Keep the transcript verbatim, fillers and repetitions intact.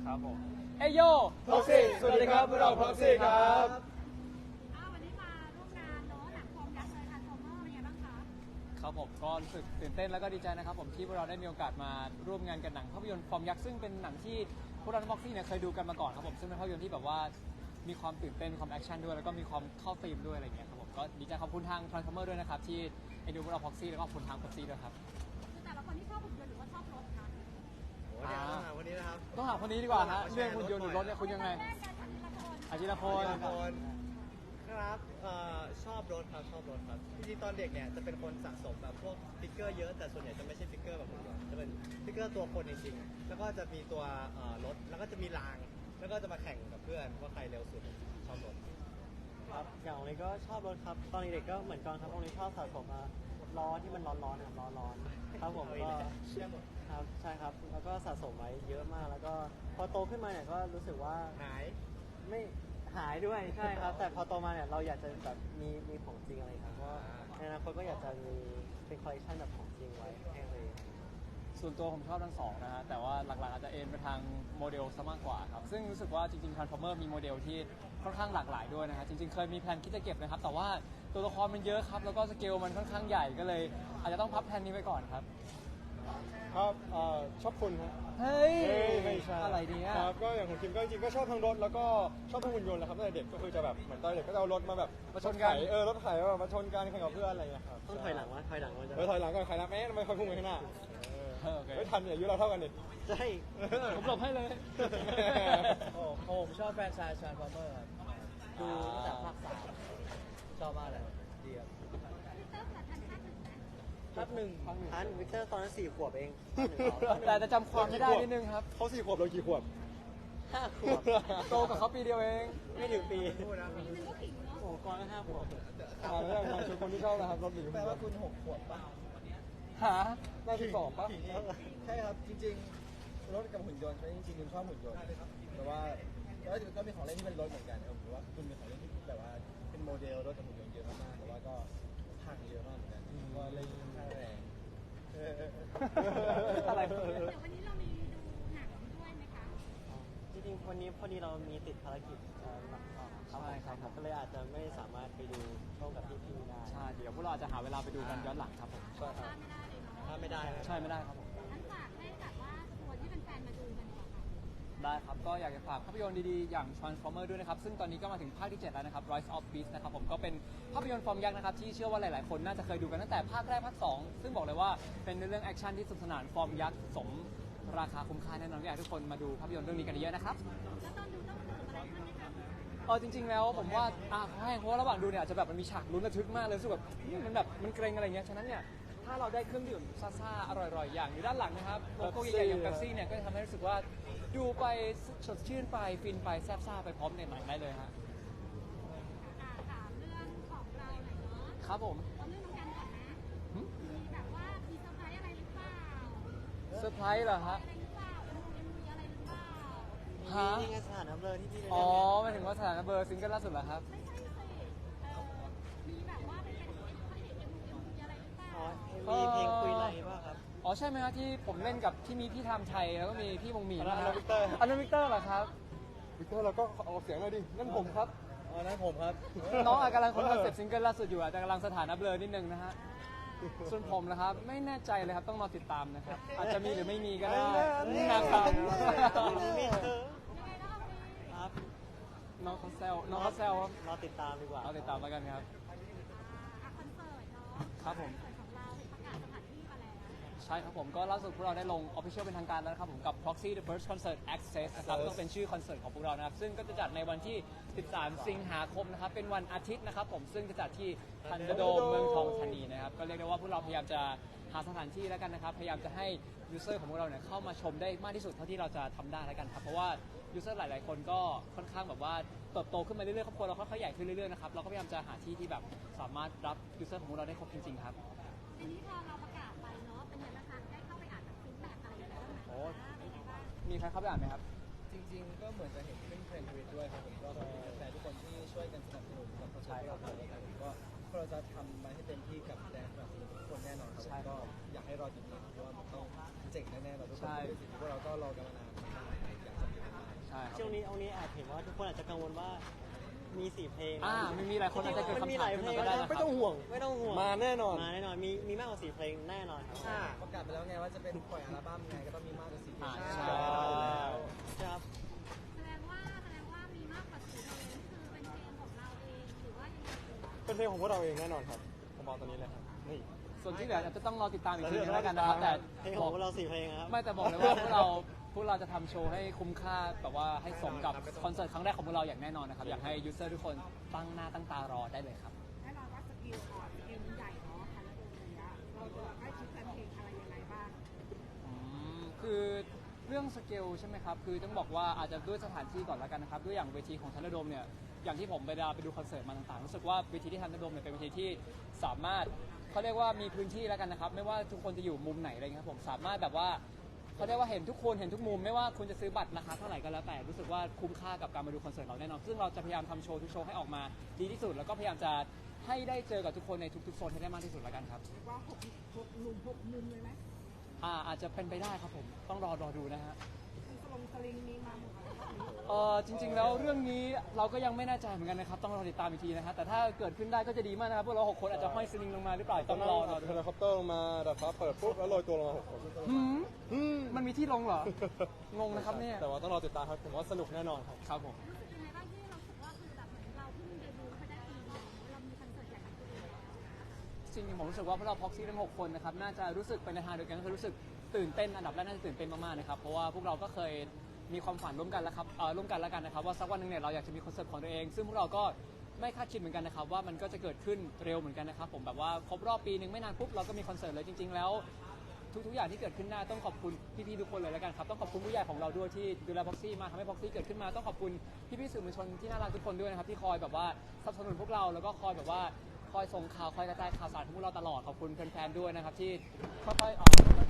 ครับผมเอโยพ็อกซี่สวัสดีครับพวกเราพ็อกซี่ครับวันนี้มาร่วมงานเนาะหนังฟอร์มยักษ์เลยทันฟอร์เมอร์เป็นไงบ้างคะครับผมก็รู้สึกตื่นเต้นแล้วก็ดีใจนะครับผมที่พวกเราได้มีโอกาสมาร่วมงานกับหนังภาพยนตร์ฟอร์มยักษ์ซึ่งเป็นหนังที่พวกเราพ็อกซี่เนี่ยเคยดูกันมาก่อนครับผมซึ่งเป็นภาพยนตร์ที่แบบว่ามีความตื่นเต้นมีความแอคชั่นด้วยแล้วก็มีความเข้าธีมด้วยอะไรเงี้ยครับผมก็ดีใจขอบคุณทาง Transformer ด้วยนะครับที่เอ็นดูพวกเราพ็อกซี่แล้วก็ขอบคุณทางพ็อกซี่ด้วยครับคือแต่ละคนที่ชอบหุ่นยนต์หรือว่าชอบรถคะโอ้เดี๋ยวต้องหาวันนี้นะครับต้องหาคนนี้ดีกว่าฮะเรื่องหุ่นยนต์หรือรถเนี่ยคุณยังไงอาชิระพลครับชอบรถครับชอบรถครับจริงๆตอนเด็กเนี่ยจะเป็นคนสะสมแบบพวกฟิกเกอร์เยอะแต่ส่วนใหญ่จะไม่ใช่ฟิกเกอร์แบบหุ่นยนต์จะเป็นฟิกเกอร์ตัวคนจริงๆแล้วก็จะมีตัวรถแล้วก็จะมีรางแล้วก็จะมาแข่งกับเพื่อนว่าใครเร็วสุดชอบรถครับอย่างองนี้ก็ชอบรถครับตอนเด็กก็เหมือนกันครับองนี้ชอบสะสมล้อที่มันร้อนๆครับล้อร้อนครับผมก็ครับใช่ครับแล้วก็สะสมไว้เยอะมากแล้วก็พอโตขึ้นมาเนี่ยก็รู้สึกว่าหายไม่หายด้วยใช่ครับแต่พอโตมาเนี่ยเราอยากจะแบบมีมีของจริงอะไรครับเพราะในอนาคตก็อยากจะมีเป็นคอลเลคชันแบบของจริงไว้ให้เลยส่วนตัวผมชอบทั้งสองนะฮะแต่ว่าหลักๆอาจจะเอ็นไปทางโมเดลซะมากกว่าครับซึ่งรู้สึกว่าจริงๆ Transformer มีโมเดลที่ค่อนข้างหลากหลายด้วยนะฮะจริงๆเคยมีแพลนคิดจะเก็บนะครับแต่ว่าตัวละครมันเยอะครับแล้วก็สเกลมันค่อนข้างใหญ่ก็เลยอาจจะต้องพับแพลนนี้ไปก่อนครับครับชอบคุณครับเฮ้ยไม่ใช่อะไรเนี่ยครับก็อย่างของคิมก็จริงๆก็ชอบทั้งรถแล้วก็ชอบทั้งหุ่นยนต์แหละครับตั้งแต่เด็กก็คือจะแบบเหมือนตอนเด็กก็จะเอารถมาแบบมาชนกันเออรถไถมาชนกันแข่งกับเพื่อนอะไรอย่างเงี้ยครับต้องถอยหลังวะถอยหลังมันจะเออถอยหลังก่อนใครนะแม่ทำไมคอยพุ่งไปข้างหน้าไม่ทันเนี่ยอายุเราเท่ากันดิใช่ผมหลบให้เลยโอ้ผมชอบแฟรนไชส์ทรานส์ฟอร์เมอร์ครับดูตั้งแต่ภาคสามชอบมากเลยดีครับภาคหนึ่งทันวิกเตอร์ตอนนั้นสี่ขวบเองแต่จะจำความไม่ได้นิดนึงครับเขาสี่ขวบเรากี่ขวบห้าขวบโตกับเขาปีเดียวเองไม่ถึงปีพูดนะโอ้ก่อนก็ห้าขวบอ่าแล้วอย่างคนที่ชอบนะครับรถหรือแปลว่าคุณหกขวบป่ะหาหน้าที่สองป่ะใช่ครับจริงๆรถกับหุ่นยนต์จริงๆคุณชอบหุ่นยนต์แต่ว่าก็มีของเล่นที่เป็นรถเหมือนกันผมว่าคุณมีของเล่นที่แบบว่าเป็นโมเดลรถกับหุ่นยนต์เยอะมากๆแต่ว่าก็พังเยอะมากเหมือนกันก็เล่นค่าแรงอะไรเดี๋ยววันนี้เรามีดูหนังด้วยไหมคะจริงๆวันนี้พอดีเรามีติดภารกิจใช่ครับก็เลยอาจจะไม่สามารถไปดูช่องกับพี่ๆได้ใช่เดี๋ยวพวกเราจะหาเวลาไปดูกันย้อนหลังครับผมใช่ครับถ้าไม่ได้ใช่ไม่ได้ครับผมงั้นฝากให้แบบว่าชวนที่เป็นแฟนมาดูกันก่อนค่ะได้ครับก็อยากจะฝากภาพยนตร์ดีๆอย่าง Transformer ด้วยนะครับซึ่งตอนนี้ก็มาถึงภาคที่เจ็ดแล้วนะครับ Rise of Beast นะครับผมก็เป็นภาพยนตร์ฟอร์มยักษ์นะครับที่เชื่อว่าหลายๆคนน่าจะเคยดูกันตั้งแต่ภาคแรกภาคสองซึ่งบอกเลยว่าเป็นเรื่องแอคชั่นที่สนุกสนานฟอร์มยักษ์สมราคาคุ้มค่าแน่นอนอยากให้ทุกคนมาดูภาพยนตร์เรื่องนี้กันเยอะนะครับแล้วตอนดูต้องเติมอะไรบ้างไหมคะเออจริงๆแล้วผมว่าอ่าให้เพราะว่าระหว่างดูเนี่ยอาจจะแบบมันมีฉากลุ้นระทึกมากเลยรู้สึกแบบมันแบบมันเกรงอะไรเงี้ยฉะนั้นเนี่ยถ้าเราได้เครื่องดื่มซ่าๆอร่อยๆอย่างอยู่ด้านหลังนะครับโลโก้ใหญ่ๆอย่างเป๊ปซี่เนี่ยก็จะทำให้รู้สึกว่าดูไปสดชื่นไปฟินไปแซ่บซ่าไปพร้อมในหนังได้เลยฮะถามเรื่องของเราหน่อยเนาะครับผมเอาเรื่องน้องกันก่อนนะมีแบบว่ามีเซอร์ไพรส์อะไรหรือเปล่าเซอร์ไพรส์เหรอฮะอะไรหรือเปล่ามีอะไรหรือเปล่าฮะนี่ไงสถานะเบอร์ที่พี่อ๋อหมายถึงว่าสถานะเบอร์ซิงเกิลล่าสุดเหรอครับไม่ใช่สิมีแบบว่าเป็นเป็นเอ็มเอ็มมีอะไรหรือเปล่ามีเพลงคุยไรบ้างครับอ๋อใช่ไหมครับที่ผมเล่นกับที่มีพี่ทำไทยแล้วก็มีพี่วงหมีนะฮะวิกเตอร์อันนั้นวิกเตอร์เหรอครับวิกเตอร์เราก็ออกเสียงหน่อยดินั่นผมครับอ๋อนั่นผมครับน้องกำลังคนคอนเซ็ปต์ซิงเกิลล่าสุดอยู่อาจจะกำลังสถานะเบลอนิดนึงนะฮะส่วนผมนะครับไม่แน่ใจเลยครับต้องรอติดตามนะครับอาจจะมีหรือไม่มีก็ได้นะครับครับน้องเขาแซวน้องเขาแซวครับรอติดตามดีกว่าเราติดตามแล้วกันครับคอนเสิร์ตเนาะครับผมของเราประกาศสถานที่มาแล้วใช่ครับผมก็ล่าสุดพวกเราได้ลง Official เป็นทางการแล้วนะครับผมกับ Proxy The First Concert Access นะครับต้องเป็นชื่อคอนเสิร์ตของพวกเรานะครับซึ่งก็จะจัดในวันที่สิบสามสิงหาคมนะครับเป็นวันอาทิตย์นะครับผมซึ่งจะจัดที่ทันเดอร์โดมเมืองทองธานีนะครับก็เรียกได้ว่าพวกเราพยายามจะหาสถานที่แล้วกันนะครับพยายามจะให้ยูเซอร์ของพวกเราเนี่ยเข้ามาชมได้มากที่สุดเท่าที่เราจะทำได้แล้วกันครับเพราะว่ายูเซอร์หลายๆคนก็ค่อนข้างแบบว่าเติบโตขึ้นมาเรื่อยๆครอบครัวเราค่อยๆใหญ่ขึ้นเรื่อยๆนะครับเราก็พยายามจะหาที่ที่แบบสามารถรับยูเซอร์ของพวกเราได้ครบจริงๆครับทีนี้พอเราประกาศไปเนาะเป็นยังไงบ้างได้เข้าไปอ่านแบบฟีดแบ็กอะไรอย่างเงี้ยโอ้มีใครเข้าไปอ่านไหมครับจริงๆก็เหมือนจะเห็นขึ้นเทรนด์ทวิตด้วยครับผมก็แต่ทุกคนที่ช่วยกันสนับสนุนกับโปรเจกต์เราด้วยครับผมก็เราจะทำมาให้เต็มที่กับแดนสนับสนุนทุกคนแน่นอนครับก็อยากให้รอติดตามเพราะว่ามันต้องเจ๋งแน่ๆเราทุกคนสิ่งที่พวกเราก็รอกันมานานมากอยากจะมีใช่ครับช่วงนี้องนี้แอบเห็นว่าทุกคนอาจจะกังวลว่ามีสี่เพลงอ่ามีมีหลายคนอาจจะเกิดมันมีคำหถามลายขึ้เพนลมาง ก็ได้นะคไม่รับต้องห่วงไม่ต้องห่วงมาแน่นอนมาแน่นอนมีมีมากกว่าสี่เพลงแน่นอนครับอ่าประกาศไปแล้วไงว่าจะเป็นปล่อยอัลบั้มไงก็ต้องมีมากกว่าสี่เพลอ่างใช่ใช่ครับแสดงว่าแสดงว่ามีมากกว่าสี่เพลงคือเป็นเพลงของเราเองหรือว่ายังไงเป็นเพลงของพวกเราเองแน่นอนครับผมบอกตอนนี้เลยครับนี่ส่วนที่เหลืออาจจะต้องรอติดตามอีกทีนึงแล้วกันนะครับแต่เพลงบขอองกพวกเราสี่เพลงครับไม่แต่บอกเลยว่าพวกเราพวกเราจะทำโชว์ให้คุ้มค่าแบบว่าให้สมกับคอนเสิร์ตครั้งแรกของพวกเราอย่างแน่นอนนะครับอยากให้ยูเซอร์ทุกคนตั้งหน้าตั้งตารอได้เลยครับแน่นอนว่าสกิลอ่อนสกิลมันใหญ่เนาะคันละตัวเนี้ยเราจะให้คิดแฟนเพลงอะไรยังไงบ้างอืมคือเรื่องสเกลใช่ไหมครับ คือต้องบอกว่าอาจจะด้วยสถานที่ก่อนแล้วกันนะครับ ด้วยอย่างเวทีของทันเดอร์โดมเนี่ย อย่างที่ผมไปไปดูคอนเสิร์ตมาต่างๆ รู้สึกว่าเวทีที่ทันเดอร์โดมเนี่ยเป็นเวทีที่สามารถเขาเรียกว่ามีพื้นที่แล้วกันนะครับ ไม่ว่าทุกคนจะอยู่มุมไหนอะไรเงี้ยครับผมสามารถแบบว่าเขาเรียกว่าเห็นทุกคนเห็นทุกมุมไม่ว่าคุณจะซื้อบัตรราคาเท่าไหร่ก็แล้วแต่รู้สึกว่าคุ้มค่ากับการมาดูคอนเสิร์ตเราแน่นอนซึ่งเราจะพยายามทำโชว์ทุกโชว์ให้ออกมาดีที่สุดแล้วก็พยายามจะให้ได้เจอกับทุกคนในทุกๆโซนให้ได้มากที่สุดแล้วกันครับเรียกว่าหกหกหนุ่มหกมุมเลยไหมอ่าอาจจะเป็นไปได้ครับผมต้องรอรอดูนะฮะมีสลงสลิงมีมาหมดเลยรอบนี้เออจริง ๆ แล้วเรื่องนี้เราก็ยังไม่แน่ใจเหมือนกันนะครับต้องรอติดตามอีกทีนะฮะแต่ถ้าเกิดขึ้นได้ก็จะดีมากนะครับพวกเราหกคนอาจจะห้อยสลิงลงมาหรือเปล่าต้ต้ออง งรรออรอดูเฮลิคอปเตอร์ลงมาดัดฟ้าเปิดปุ๊บแล้วโรยตัวลงมาหกคนหืมอืมมันมีที่ลงเหรอ งงนะครับเนี่ยแต่ว่าต้องรอติดตามครับผมว่าสนุกแน่นอนครับครับผมรู้สึกยังไงบ้างที่เราสึกว่าคือแบบเหมือนเราเพิ่งเดบิวต์ไปได้ปีเดียวเรามีคอนเสิร์ตใหญ่ของตัวเองแล้วจริงๆผมรู้สึกว่าพวกเราพ็อกซี่ทั้งหกคนนะครับน่าจะรู้สึกไปในทางเดียวกันก็คือรู้สึกตื่นเต้นอันดับแรกน่าจะตื่นเต้นมากๆนะครับเพราะว่าพวกเราก็เคยมีความฝันร่วมกันแล้วครับเอ่อร่วมกันแล้วกันนะครับว่าสักวันหนึงเนี่ยเราอยากจะมีคอนเสิร์ตของตัวเอง ซึ่งพวกเราก็ไม่คาดคิดเหมือนกันนะครับว่ามันก็จะเกิดขึ้นเร็วเหมือนกันนะครับผมแบบว่าครบรอบปีหนึ่งไม่นานปุ๊บเราก็มีคอนเสิร์ตเลยจริง ๆ แล้ว ทุกๆอย่างที่เกิดขึ้นได้ต้องขอบคุณพี่ๆทุกคนเลยแล้วกันครับต้องขอบคุณผู้ใหญ่ของเราด้วยที่ดูแลพ็อกซี่มาทำให้พ็อกซี่เกิดขึ้นมาต้องขอบคุณพี่ๆสื่อมวลชนที่น่ารักทุกคนด้วยนะครับที่คอยแบบว่าสนับสนุนพวกเราแล้วก็คอยแบบว่าคอยส่งข่าวคอยกระจายข่าวสารให้พวกเราตลอดขอบคุณแฟนๆด้วยนะครับที่ค่อยๆเอ่อ